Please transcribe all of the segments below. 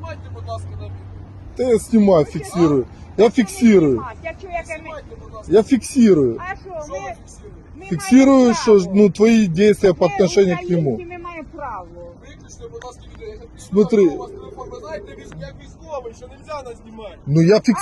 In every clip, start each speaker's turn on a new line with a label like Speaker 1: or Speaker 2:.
Speaker 1: Знімайте, будь ласка, на відео.
Speaker 2: Да я снимаю, фиксирую. Я фиксирую. Я фиксирую.
Speaker 3: А що,
Speaker 1: Що ви фіксуєте?
Speaker 2: Фиксирую, что ну, твои действия по отношению к нему.
Speaker 3: Ми маємо право.
Speaker 1: Виключно, будь ласка, відео. Я так
Speaker 2: Смотри.
Speaker 1: у вас телефон. Ви знаєте, як військовий, що нельзя нас знімати.
Speaker 2: Ну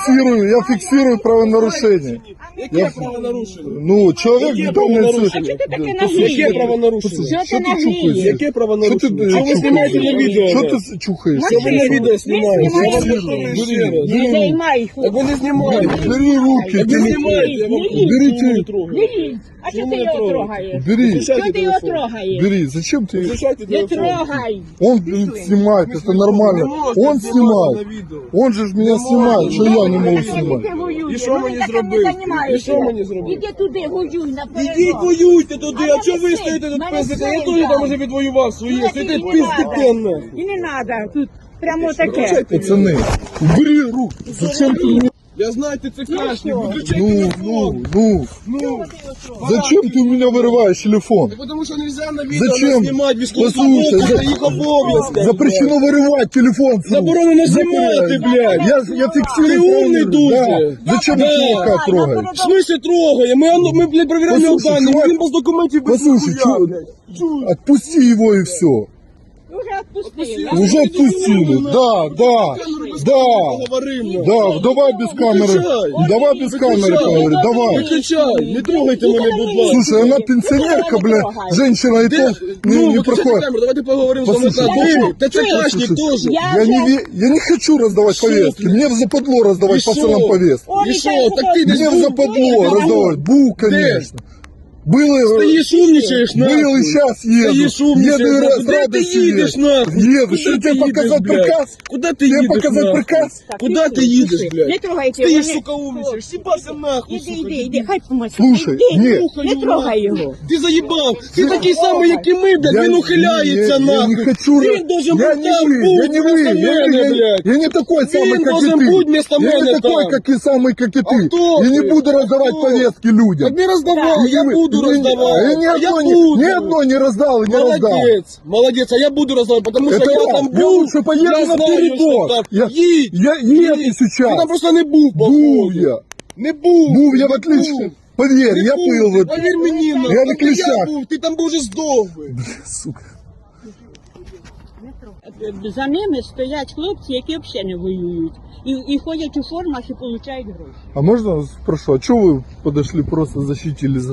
Speaker 2: я фиксирую правонарушение.
Speaker 1: Яке правонарушення?
Speaker 2: Ну, человек
Speaker 1: Яке
Speaker 2: в данной
Speaker 1: правонарушення?
Speaker 3: Що ти таке
Speaker 1: Яке
Speaker 3: наглієш?
Speaker 1: правонарушення?
Speaker 3: Що ти
Speaker 2: Что ты
Speaker 3: наглієш?
Speaker 2: чухаешь?
Speaker 1: Яке правонарушення?
Speaker 2: Що
Speaker 1: Що ви знімаєте на відео?
Speaker 2: Что ты чухаешь?
Speaker 1: Що ви на відео знімаєте?
Speaker 3: Ми
Speaker 1: Я вам
Speaker 3: знімаємо.
Speaker 1: повторюю ще раз.
Speaker 3: Не займай їх.
Speaker 1: Так ви не знімаєте.
Speaker 2: Бери руки.
Speaker 1: Так ви знімаєте, я вам
Speaker 2: Берите.
Speaker 3: Лілі, а що ти його трогаєш?
Speaker 2: Бери.
Speaker 3: Що ти його трогаєш?
Speaker 2: Бери. Зачем ты?
Speaker 1: Включайте
Speaker 3: Не
Speaker 1: телефон.
Speaker 3: трогай.
Speaker 2: Он снимает, это
Speaker 1: Не
Speaker 2: нормально.
Speaker 1: можете
Speaker 2: Он
Speaker 1: знімати
Speaker 2: снимает.
Speaker 1: на відео.
Speaker 2: Он же ж меня снимает, что я не могу снимать.
Speaker 1: І що мені зробити? І що мені зробити?
Speaker 3: Іди туди, воюй наперед.
Speaker 1: Ідіть воюйте туди, а чого ви
Speaker 3: син,
Speaker 1: стоїте тут
Speaker 3: мене
Speaker 1: пиздите? Я
Speaker 3: син,
Speaker 1: теж там
Speaker 3: да.
Speaker 1: уже відвоював своє,
Speaker 3: Ну,
Speaker 1: стоїте
Speaker 3: і не
Speaker 1: пиздите
Speaker 3: надо.
Speaker 1: нахуй.
Speaker 3: І не треба, тут прямо таке.
Speaker 1: Виключайте відео.
Speaker 2: Пацаны, убери руки. Зачем ты меня?
Speaker 1: Я знаю, ти це крашник, виключай
Speaker 2: Ну,
Speaker 1: телефон. Ну,
Speaker 2: Зачем ты у меня вырываешь телефон?
Speaker 1: так потому що нельзя на відео
Speaker 2: Зачем?
Speaker 1: знімати
Speaker 2: Послушай,
Speaker 1: військовослужбовців, це їх обов'язки.
Speaker 2: Запрещено вырывать телефон. с рук.
Speaker 1: Заборонено знімати, блядь.
Speaker 2: Я фиксирую.
Speaker 1: Ты умный
Speaker 2: правильно.
Speaker 1: дуже.
Speaker 2: Да. Зачем
Speaker 1: Да.
Speaker 2: ты чувака трогаешь?
Speaker 1: В смысле трогає? Ми блядь, перевіряємо його
Speaker 2: Послушай,
Speaker 1: дані,
Speaker 2: чувак,
Speaker 1: він без документів, без
Speaker 2: Послушай,
Speaker 1: ніхуя,
Speaker 2: чё,
Speaker 1: блядь.
Speaker 2: отпусти его и все.
Speaker 3: Уже відпустили.
Speaker 2: Уже отпустили. Да, да, да.
Speaker 1: Поговоримо.
Speaker 2: Да, давай без камеры.
Speaker 1: Выключай.
Speaker 2: Давай без камеры поговори. Давай.
Speaker 1: Виключай, не трогайте мене, будь ласка.
Speaker 2: Слушай, она пенсионерка, бля, женщина и то не
Speaker 1: Виключайте
Speaker 2: проходит.
Speaker 1: камеру, давайте поговоримо з
Speaker 2: Послушай,
Speaker 1: вами. Та це крашник
Speaker 2: послушай,
Speaker 1: теж.
Speaker 2: Я не хочу раздавать
Speaker 1: Шо
Speaker 2: повестки.
Speaker 1: ты?
Speaker 2: Мне в западло раздавать
Speaker 1: И
Speaker 2: пацанам
Speaker 1: шо?
Speaker 2: повестки.
Speaker 1: І що, так ти десь
Speaker 2: Мне в
Speaker 1: був?
Speaker 2: западло раздавать. Был, конечно. Было,
Speaker 1: Стоїш, умничаєш, нахуй.
Speaker 2: был и сейчас еду.
Speaker 1: Стоїш, умничаєш,
Speaker 2: Еду и
Speaker 1: нахуй.
Speaker 2: с
Speaker 1: Де ти
Speaker 2: радостью
Speaker 1: їдеш,
Speaker 2: еду.
Speaker 1: нахуй?
Speaker 2: Еду.
Speaker 1: Куди
Speaker 2: Что
Speaker 1: ти
Speaker 2: тебе
Speaker 1: їдеш,
Speaker 2: показать
Speaker 1: блядь?
Speaker 2: приказ?
Speaker 1: Куди ти
Speaker 2: Тебе
Speaker 1: їдеш,
Speaker 2: показать
Speaker 1: нахуй?
Speaker 2: приказ?
Speaker 1: Куди ти їдеш, блядь?
Speaker 3: Не трогайте
Speaker 1: Стоїш,
Speaker 3: його.
Speaker 1: сука, умничаєш, сібався нахуй,
Speaker 3: Іди,
Speaker 1: сука.
Speaker 3: іди, хай помочь.
Speaker 2: Слушай, ні.
Speaker 3: Не трогай його.
Speaker 1: Ти заїбав! Ти такий самий, як і ми, блядь, він ухиляється,
Speaker 2: я
Speaker 1: нахуй!
Speaker 2: не хочу.
Speaker 1: Він должен
Speaker 2: Я
Speaker 1: бути
Speaker 2: не
Speaker 1: там,
Speaker 2: вы, я не вы,
Speaker 1: вместо мене,
Speaker 2: я
Speaker 1: блядь!
Speaker 2: я не такой самый, как и
Speaker 1: должен
Speaker 2: ты.
Speaker 1: быть вместо
Speaker 2: Я
Speaker 1: меня
Speaker 2: не такой,
Speaker 1: там.
Speaker 2: как и самый, как и
Speaker 1: А
Speaker 2: ты.
Speaker 1: кто
Speaker 2: Я не
Speaker 1: ты?
Speaker 2: буду раздавать
Speaker 1: Кто?
Speaker 2: повестки людям.
Speaker 1: Так не раздавал, я
Speaker 2: Не-
Speaker 1: буду
Speaker 2: не-
Speaker 1: раздавать!
Speaker 2: Я ни
Speaker 1: А
Speaker 2: одной,
Speaker 1: буду.
Speaker 2: ни одной не раздал и не раздал.
Speaker 1: Молодец, молодец, а я буду раздавать, потому что
Speaker 2: Это
Speaker 1: я
Speaker 2: я.
Speaker 1: там
Speaker 2: Я
Speaker 1: был,
Speaker 2: лучше поеду
Speaker 1: я
Speaker 2: на
Speaker 1: знаю,
Speaker 2: передок.
Speaker 1: что так.
Speaker 2: Я-
Speaker 1: Їдь,
Speaker 2: Я еду
Speaker 1: їдь.
Speaker 2: сейчас.
Speaker 1: Ти там просто не був,
Speaker 2: Був
Speaker 1: походу.
Speaker 2: я.
Speaker 1: Не був.
Speaker 2: Був я в
Speaker 1: не
Speaker 2: отлично.
Speaker 1: був.
Speaker 2: Поверь,
Speaker 1: Не
Speaker 2: я
Speaker 1: був,
Speaker 2: был вот.
Speaker 1: Повір мені,
Speaker 2: Я на
Speaker 1: там, де
Speaker 2: клещах.
Speaker 1: був, ти там був вже здохли.
Speaker 2: Сука.
Speaker 3: За ними стоять хлопці, які взагалі не воюють. І ходять у формах і отримують гроші.
Speaker 2: А можно спрошу, а что вы подошли просто защитили за